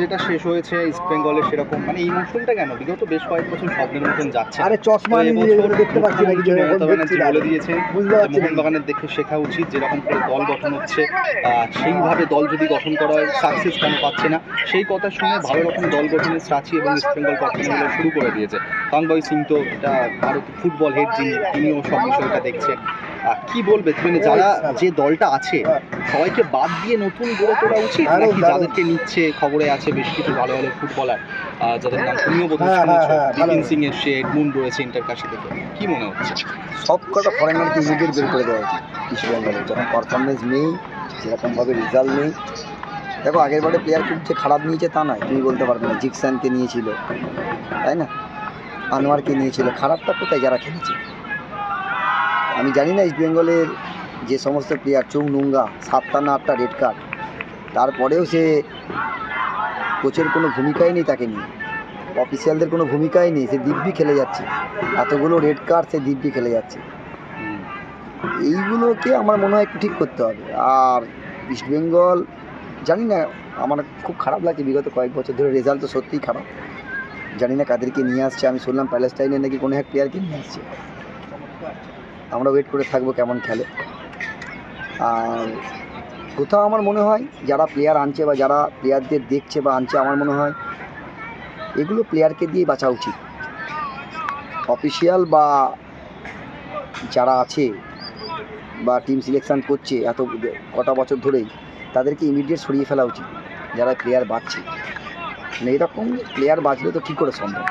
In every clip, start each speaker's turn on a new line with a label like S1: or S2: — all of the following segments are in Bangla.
S1: যেটা শেষ হয়েছে ইস্ট বেঙ্গলের সেরকম মানে এই মৌসুমটা কেন বিগত বেশ কয়েক বছর স্বপ্নের মতন যাচ্ছে।
S2: আরে চশমা দেখতে পাচ্ছি না,
S1: মমতা ব্যানার্জি বলে দিয়েছেন মোহনবাগানের দেখে শেখা উচিত যেরকম করে দল গঠন হচ্ছে সেইভাবে দল যদি গঠন করা হয় সাকসেস কেন পাচ্ছে না, সেই কথা শুনে ভালো রকম দল গঠনের সাচি এবং ইস্ট বেঙ্গল পারফরমেন্স শুরু করে দিয়েছে। কাংবয় সিং তো এটা ভারতের ফুটবল হেড যিনি, তিনিও সব বিষয়টা দেখছেন। কি বলবে মানে যারা যে দলটা আছে সবাইকে বাদ দিয়ে নতুন গড়ে তোলা উচিত নাকি যাদেরকে নিচ্ছে খবরে আছে বেশ কিছু ভালো ভালো ফুটবলার যাদের নাম তুমিও বোধহয় শুনেছো, বিপিন সিং এসছে, এডমুন্ড রয়েছে ইন্টারকাশি থেকে, কি মনে হচ্ছে?
S2: সব কটা ফরেনারকে ইমিডিয়েট বের করে দেওয়া উচিত ইস্ট বেঙ্গলে, যখন পারফরমেন্স নেই সেরকমভাবে রেজাল্ট নেই। দেখো আগের বারে প্লেয়ার খুব যে খারাপ নিয়েছে তা নয়, তুমি বলতে পারবে না। জিকসানকে নিয়েছিল তাই না, আনোয়ারকে নিয়েছিল, খারাপটা কোথায় যারা খেলেছে? আমি জানি না ইস্ট বেঙ্গলের যে সমস্ত প্লেয়ার চৌনুঙ্গা 7টা না 8টা রেড কার্ড, তারপরেও সে কোচের কোনো ভূমিকাই নেই তাকে নিয়ে, অফিসিয়ালদের কোনো ভূমিকাই নেই, সে দিব্যি খেলে যাচ্ছে। এতগুলো রেড কার্ড সে দিব্যি খেলে যাচ্ছে। এইগুলোকে আমার মনে হয় একটু ঠিক করতে হবে। আর ইস্ট বেঙ্গল জানি না, আমার খুব খারাপ লাগছে, বিগত কয়েক বছর ধরে রেজাল্ট তো সত্যিই খারাপ। জানি না কাদেরকে নিয়ে আসছে, আমি শুনলাম প্যালেস্টাইনের নাকি কোনো এক প্লেয়ারকে নিয়ে আসছে। আমরা ওয়েট করে থাকবো কেমন খেলে। আর কোথাও আমার মনে হয় যারা প্লেয়ার আনছে বা যারা প্লেয়ারদের দেখছে বা আনছে, আমার মনে হয় এগুলো প্লেয়ারকে দিয়ে বাঁচা উচিত। অফিসিয়াল বা যারা আছে বা টিম সিলেকশান করছে এত কটা বছর ধরেই, তাদেরকে ইমিডিয়েট সরিয়ে ফেলা উচিত যারা প্লেয়ার বাঁচছে। মানে এরকম প্লেয়ার বাঁচলে তো কী করে সম্ভব?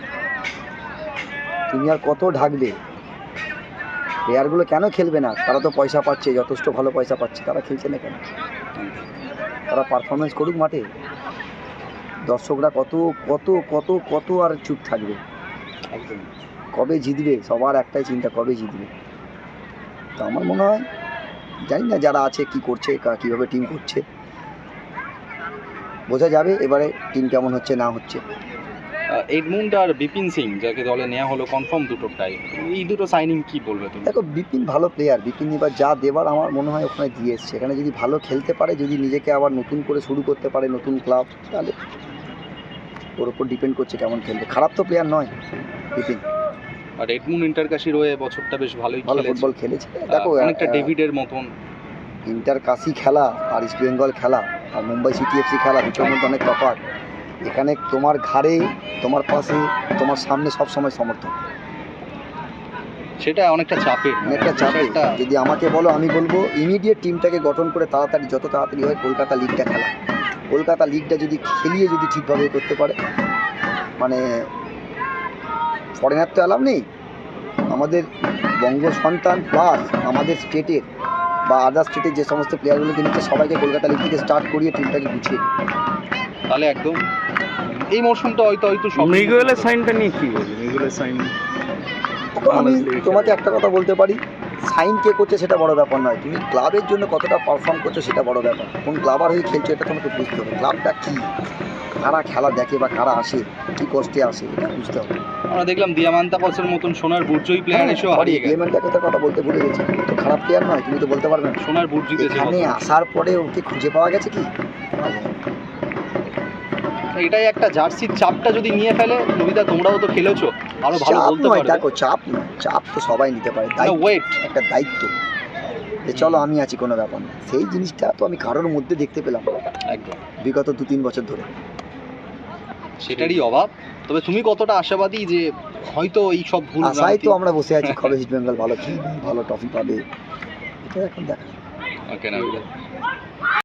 S2: তুমি আর কত ঢাকবে? প্লেয়ারগুলো কেন খেলবে না? তারা তো পয়সা পাচ্ছে, যথেষ্ট ভালো পয়সা পাচ্ছে, তারা খেলছে না কেন? তারা পারফরমেন্স করুক মাঠে। দর্শকরা কত কত কত কত আর চুপ থাকবে? একদম কবে জিতবে? সবার একটাই চিন্তা, কবে জিতবে। তো আমার মনে হয়, জানি না যারা আছে কি করছে, কীভাবে টিম করছে, বোঝা যাবে এবারে টিম কেমন হচ্ছে না হচ্ছে।
S1: এডমুন্ড আর বিপিন সিং যাকে দলে নেওয়া হলো কনফার্ম দুটোটাই, এই দুটো সাইনিং কি বলবে তুমি?
S2: দেখো বিপিন ভালো প্লেয়ার, বিপিন এবার যা দেবার আমার মনে হয় ওখানে দিয়ে এসছে। এখানে যদি ভালো খেলতে পারে, যদি নিজেকে আবার নতুন করে শুরু করতে পারে নতুন ক্লাব, তাহলে ওর ওপর ডিপেন্ড করছে কেমন খেলবে। খারাপ তো প্লেয়ার নয় বিপিন।
S1: আর এডমুন্ড ইন্টারকাশি রয়ে বছরটা বেশ ভালোই
S2: ভালো ফুটবল খেলেছে। দেখো
S1: অনেকটা ডেভিডের মতন।
S2: ইন্টারকাশি খেলা আর ইস্ট বেঙ্গল খেলা আর মুম্বাই সিটি এফসি খেলা দুটোর মধ্যে অনেক তফাৎ। এখানে তোমার ঘাড়ে, তোমার পাশে, তোমার সামনে সব সময় সমর্থন,
S1: সেটা অনেকটা চাপের।
S2: অনেকটা চাপের। যদি আমাকে বলো, আমি বলবো ইমিডিয়েট টিমটাকে গঠন করে তাড়াতাড়ি, যত তাড়াতাড়ি হয় কলকাতা লিগটা খেলা। কলকাতা লিগটা যদি খেলিয়ে যদি ঠিকভাবে করতে পারে, মানে ফরেনার তো অ্যালাউ নেই, আমাদের বঙ্গ সন্তান প্লাস আমাদের স্টেটের বা আদার স্টেটের যে সমস্ত প্লেয়ারগুলোকে নিচ্ছে সবাইকে কলকাতা লিগ থেকে স্টার্ট করিয়ে টিমটাকে গুছিয়ে দিই,
S1: তাহলে একদম এই মরশুমটা হয়তো
S3: মিগুয়েলের সাইনটা নিয়ে কি বলবি? মিগুয়েলের সাইন,
S2: আমি তোমাকে একটা কথা বলতে পারি, সাইন কে করছে সেটা বড় ব্যাপার নয়, তুমি ক্লাবের জন্য কতটা পারফর্ম করছো সেটা বড় ব্যাপার। কোন ক্লাবার হয়ে খেলছো এটা তোমাকে বুঝতে হবে। ক্লাবটা কী, কারা খেলা দেখে বা কারা আসে, কী কষ্টে আসে, এটা বুঝতে হবে।
S1: আমরা দেখলাম দিয়ামান্তাকসের মতন সোনার বুর্জই প্লেয়ার এসেও হারিয়ে গেছে।
S2: দিয়ামান্তাকসের কথা বলতে ভুলে গেছি, তো খারাপ প্লেয়ার নয়, তুমি তো বলতে পারবে না।
S1: সোনার বুর্জ জিতেছে।
S2: এখানে আসার পরে ওকে খুঁজে পাওয়া গেছে কি?
S1: এটাই একটা জার্সির চাপটা যদি নিয়ে ফেলে, নবিদা তোমরাও তো খেলেছো, আরো ভালো বলতে পারবে।
S2: দেখো চাপ নয়, চাপ তো সবাই নিতে পারে, ওয়েট একটা দায়িত্ব যে চলো আমি আছি, কোনো ব্যাপার না। সেই জিনিসটা তো আমি কারোর মধ্যে দেখতে পেলাম
S1: একদম
S2: বিগত 2-3 বছর ধরে,
S1: সেটারই অভাব। তবে তুমি কতটা আশাবাদী যে হয়তো এই সব ভুল
S2: আশায় তো আমরা বসে আছি, কবে ইস্ট বেঙ্গল ভালো খেলবে, ভালো ট্রফি পাবে, এটা এখন দেখা।
S1: ওকে না